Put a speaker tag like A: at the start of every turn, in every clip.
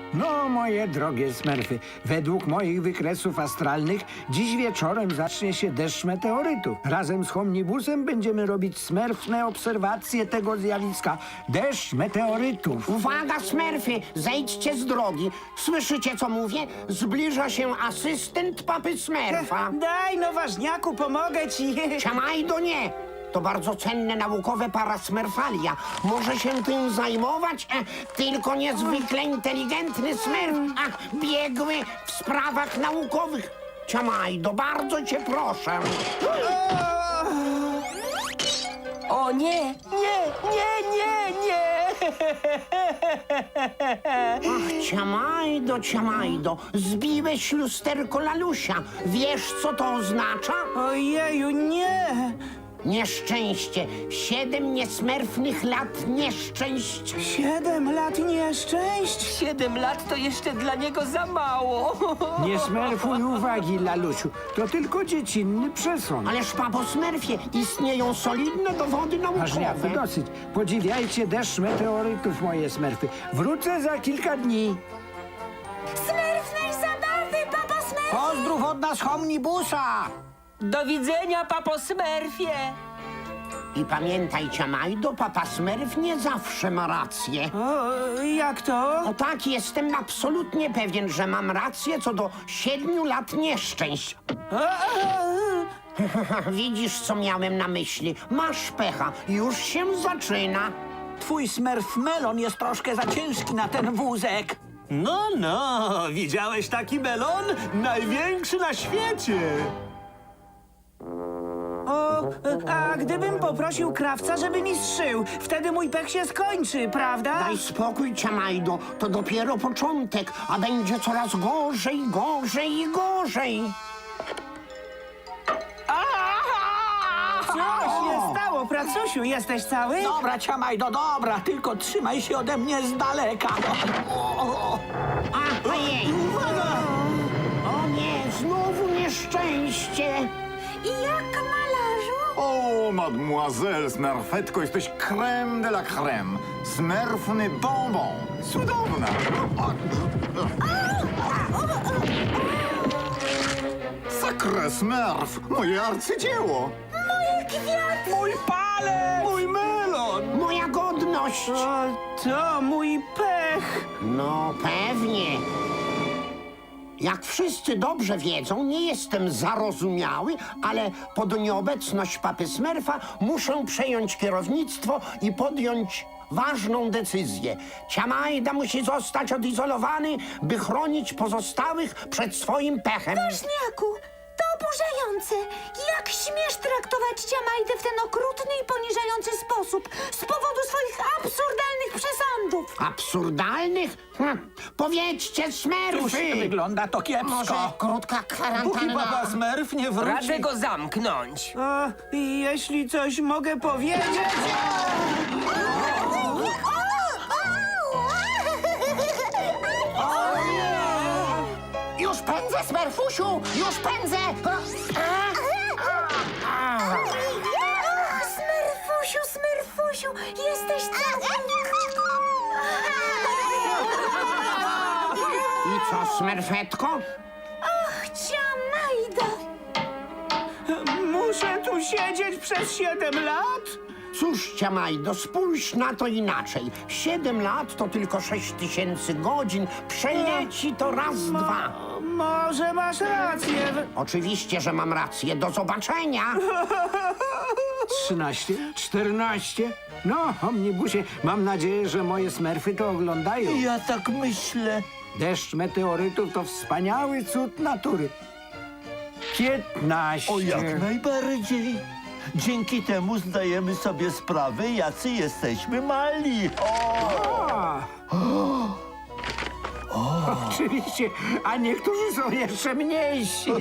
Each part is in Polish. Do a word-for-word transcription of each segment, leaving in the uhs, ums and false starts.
A: No, moje drogie smerfy, według moich wykresów astralnych dziś wieczorem zacznie się deszcz meteorytów. Razem z Homnibusem będziemy robić smerfne obserwacje tego zjawiska. Deszcz meteorytów.
B: Uwaga, smerfy, zejdźcie z drogi. Słyszycie, co mówię? Zbliża się asystent papy smerfa.
C: Daj, no ważniaku, pomogę ci.
B: Ciamajdo nie. To bardzo cenne naukowe parasmerfalia. Może się tym zajmować? E, tylko niezwykle inteligentny smerf. A, biegły w sprawach naukowych. Ciamajdo, bardzo cię proszę.
D: O nie, nie, nie, nie, nie!
B: Ach, Ciamajdo, Ciamajdo, zbiłeś lusterko Lalusia. Wiesz, co to oznacza?
C: Ojeju, nie!
B: Nieszczęście. Siedem niesmerfnych lat nieszczęść.
C: Siedem lat nieszczęść?
D: Siedem lat to jeszcze dla niego za mało.
A: Nie smerfuj uwagi, Lalusiu. To tylko dziecinny przesąd.
B: Ależ, papo Smerfie, istnieją solidne dowody
A: Ważniaku,
B: naukowe.
A: dosyć. Podziwiajcie deszcz meteorytów, moje smerfy. Wrócę za kilka dni.
E: Smerfnej zabawy, papa Smerf!
C: Pozdrów od nas Homnibusa!
D: Do widzenia, papo Smerfie.
B: I pamiętaj, Ciamajdo, papa Smerf nie zawsze ma rację.
C: O, jak to?
B: O tak, jestem absolutnie pewien, że mam rację co do siedmiu lat nieszczęść. Widzisz, co miałem na myśli. Masz pecha, już się zaczyna.
C: Twój smerf melon jest troszkę za ciężki na ten wózek.
F: No, no, widziałeś taki melon? Największy na świecie!
C: O, a gdybym poprosił krawca, żeby mi zszył, wtedy mój pech się skończy, prawda?
B: Daj spokój, Ciamajdo, to dopiero początek, a będzie coraz gorzej, gorzej i gorzej.
C: Coś się stało, pracusiu, jesteś cały?
G: Dobra, Ciamajdo, dobra, tylko trzymaj się ode mnie z daleka.
B: A, ojej! O nie, znowu nieszczęście!
E: I jak, malarzu?
H: O, mademoiselle Smerfetko, jesteś crème de la crème. Smerfny bonbon. Cudowna. Sakre Smerf, moje arcydzieło.
G: Mój palec!
F: Mój melon!
B: Moja godność!
C: O, to mój pech.
B: No pewnie. Jak wszyscy dobrze wiedzą, nie jestem zarozumiały, ale pod nieobecność papy Smerfa muszę przejąć kierownictwo i podjąć ważną decyzję. Ciamajda musi zostać odizolowany, by chronić pozostałych przed swoim pechem.
E: Ważniaku, to oburzające. Jak śmiesz traktować Ciamajdę w ten okrutny i poniżający sposób z powodu swoich absurdalnych przesądów?
B: Absurdalnych? Hm. Powiedzcie,
G: Cóż,
B: Smerfy!
G: wygląda to
B: Może
G: kiepsko.
B: krótka
F: Póki
B: kwarantanna.
F: papa Smerf nie wróci...
D: Radzę go zamknąć.
C: O, i jeśli coś mogę powiedzieć...
B: Już pędzę, Smerfusiu! Już pędzę!
E: Smerfusiu, Smerfusiu, jesteś cały...
B: I co, Smerfetko?
E: Och, Ciamajdo!
C: Muszę tu siedzieć przez siedem lat?
B: Cóż, Ciamajdo, spójrz na to inaczej. Siedem lat to tylko sześć tysięcy godzin. Przeleci to raz, dwa.
C: Może masz rację.
B: Oczywiście, że mam rację. Do zobaczenia.
A: Trzynaście? Czternaście? No, Omnibusie, mam nadzieję, że moje smerfy to oglądają.
F: Ja tak myślę.
A: Deszcz meteorytów to wspaniały cud natury. Piętnaście.
F: O, jak najbardziej. Dzięki temu zdajemy sobie sprawę, jacy jesteśmy mali.
A: A. Oczywiście, a niektórzy są jeszcze mniejsi.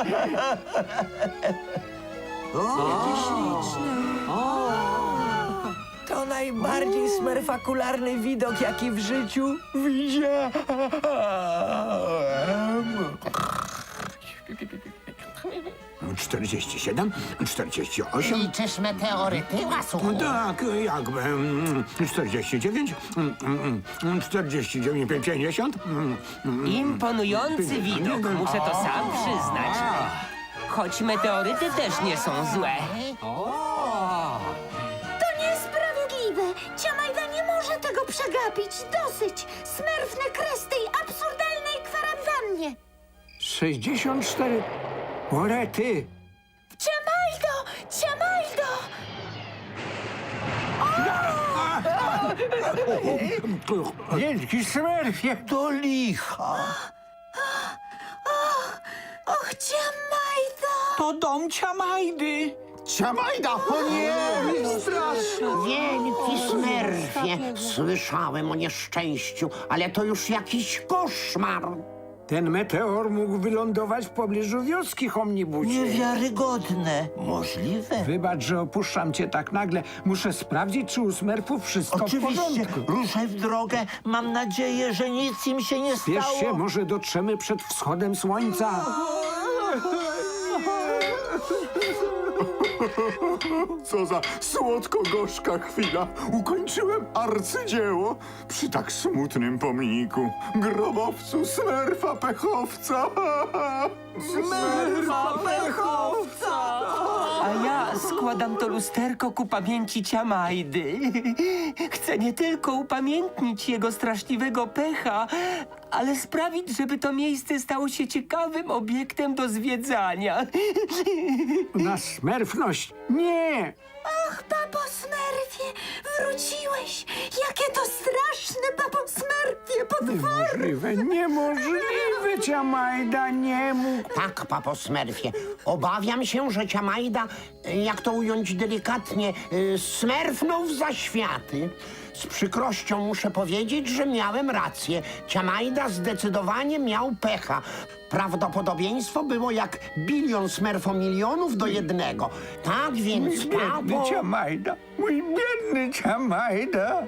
D: To najbardziej smerfakularny widok, jaki w życiu widziałem.
A: czterdzieści siedem, czterdzieści osiem.
B: Liczysz meteoryty, łasuchu?
A: Tak, jakby. mm, czterdzieści dziewięć, mm, mm, czterdzieści dziewięć, pięćdziesiąt. mm, mm,
I: Imponujący widok, muszę to sam przyznać. Choć meteoryty też nie są złe.
E: To niesprawiedliwe! Ciamajda nie może tego przegapić! Dosyć! Smerfny kres tej absurdalnej kwarantannie!
A: sześćdziesiąt cztery. Orety!
E: Ciamajdo! Ciamajdo!
A: Wielki Smerfie!
F: Do licha.
E: Och, Ciamajdo!
G: To dom Ciamajdy.
H: Ciamajda! O nie!
B: Wielki Smerfie, słyszałem o nieszczęściu, ale to już jakiś koszmar.
A: Ten meteor mógł wylądować w pobliżu wioski, Homnibusie.
F: Niewiarygodne. Możliwe.
A: Wybacz, że opuszczam cię tak nagle. Muszę sprawdzić, czy u Smerfów wszystko w
F: Oczywiście.
A: porządku.
F: Ruszaj w drogę. Mam nadzieję, że nic im się nie
A: Spiesz
F: stało.
A: się, może dotrzemy przed wschodem słońca.
H: Co za słodko-gorzka chwila. Ukończyłem arcydzieło przy tak smutnym pomniku. Grobowcu Smerfa Pechowca.
G: Smerfa pechowca.
I: A ja składam to lusterko ku pamięci Ciamajdy. Chcę nie tylko upamiętnić jego straszliwego pecha, ale sprawić, żeby to miejsce stało się ciekawym obiektem do zwiedzania.
A: Na smerfność? Nie!
E: Och, papo Smerfie! Wróciłeś! Jakie to straszne, papo Smerfie! Potworne!
A: Niemożliwe, niemożliwe, Ciamajda nie mógł.
B: Tak, papo Smerfie, obawiam się, że Ciamajda, y, jak to ująć delikatnie, y, smerfnął w zaświaty. Z przykrością muszę powiedzieć, że miałem rację. Ciamajda zdecydowanie miał pecha. Prawdopodobieństwo było jak bilion smerfomilionów do jednego. Tak więc,
A: Biedny
B: papo...
A: Ciamajda, mój biedny Ciamajda.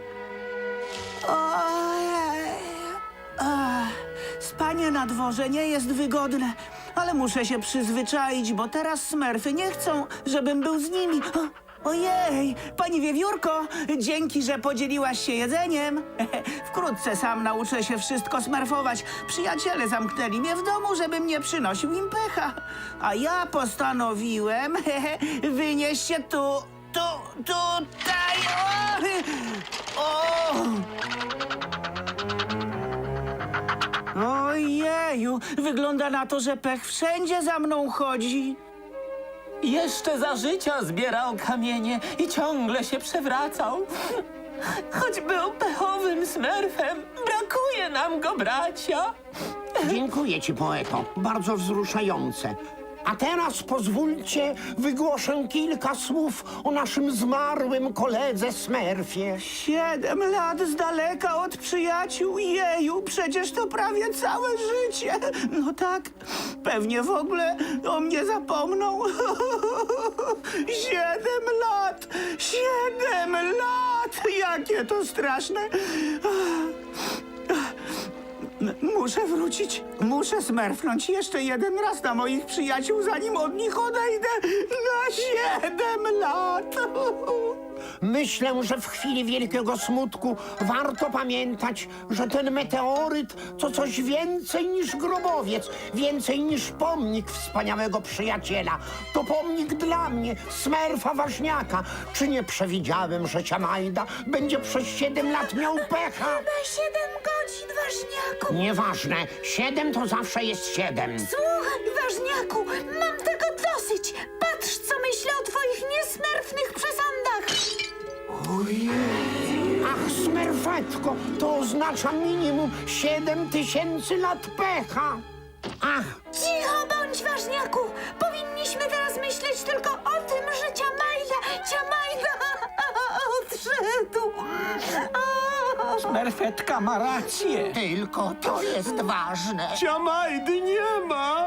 C: Ojej. Ach, spanie na dworze nie jest wygodne, ale muszę się przyzwyczaić, bo teraz smerfy nie chcą, żebym był z nimi. O, ojej, pani Wiewiórko, dzięki, że podzieliłaś się jedzeniem. Wkrótce sam nauczę się wszystko smerfować. Przyjaciele zamknęli mnie w domu, żebym nie przynosił im pecha. A ja postanowiłem wynieść się tu, tu, tutaj. O! O! Ojeju, wygląda na to, że pech wszędzie za mną chodzi.
I: Jeszcze za życia zbierał kamienie i ciągle się przewracał. Choć był pechowym smerfem, brakuje nam go, bracia.
B: Dziękuję ci, poeto. Bardzo wzruszające. A teraz pozwólcie, wygłoszę kilka słów o naszym zmarłym koledze Smerfie.
C: Siedem lat z daleka od przyjaciół. Jeju, przecież to prawie całe życie. No tak, pewnie w ogóle o mnie zapomną. Siedem lat! Siedem lat! Jakie to straszne! Muszę wrócić. Muszę smerfnąć jeszcze jeden raz na moich przyjaciół, zanim od nich odejdę na siedem lat.
B: Myślę, że w chwili wielkiego smutku warto pamiętać, że ten meteoryt to coś więcej niż grobowiec, więcej niż pomnik wspaniałego przyjaciela. To pomnik dla mnie, Smerfa Ważniaka. Czy nie przewidziałem, że Ciamajda będzie przez siedem lat miał pecha?
E: Na siedem godzin, ważniaku!
B: Nieważne, siedem to zawsze jest siedem.
E: Słuchaj, ważniaku, mam tego dosyć! Patrz, co myślę o twoich niesmerfnych przesądach!
B: Ach, Smerfetko, to oznacza minimum siedem tysięcy lat pecha. Ach,
E: Cicho bądź, ważniaku! Powinniśmy teraz myśleć tylko o tym, że Ciamajda, Ciamajda odszedł!
G: Smerfetka ma rację.
B: tylko to jest ważne.
A: Ciamajdy nie ma!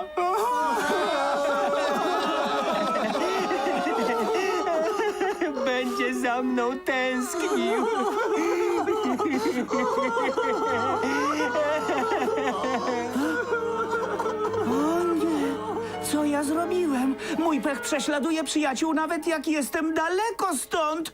I: Będzie za mną tęsknił.
C: O nie, co ja zrobiłem? Mój pech prześladuje przyjaciół, nawet jak jestem daleko stąd.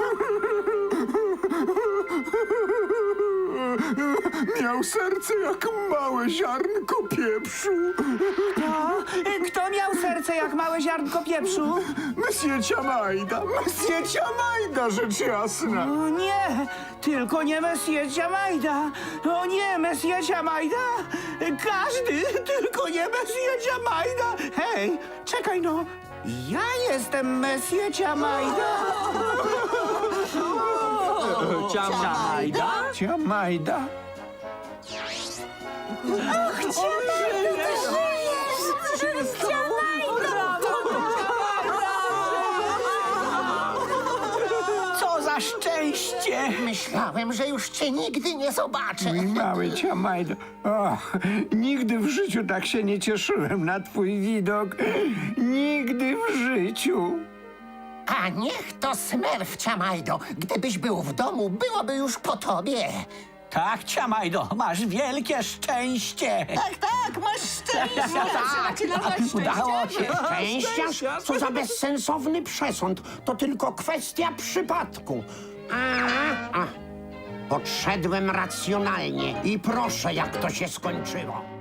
H: Miał serce jak małe ziarnko pieprzu.
C: A, kto miał serce jak małe ziarnko pieprzu?
H: Monsieur Ciamajda, Monsieur Ciamajda, rzecz jasna.
C: O nie, tylko nie Messie Ciamajda. O nie, Messie Ciamajda. Każdy, tylko nie Messie Ciamajda. Hej, czekaj no. Ja jestem Messie Ciamajda.
G: Ciamajda?
A: Ciamajda?
G: Co za szczęście!
B: Myślałem, że już cię nigdy nie zobaczę.
A: Mój mały Ciamajdo. Och, nigdy w życiu tak się nie cieszyłem na twój widok. Nigdy w życiu.
B: A niech to smerf, Ciamajdo. Gdybyś był w domu, byłoby już po tobie.
G: Tak, Ciamajdo, masz wielkie szczęście!
E: Tak, tak, masz szczęście. Zaczynacie nabrać
G: Udało się!
B: Szczęścia? Co za bezsensowny przesąd. To tylko kwestia przypadku. A, a. Podszedłem racjonalnie i proszę, jak to się skończyło.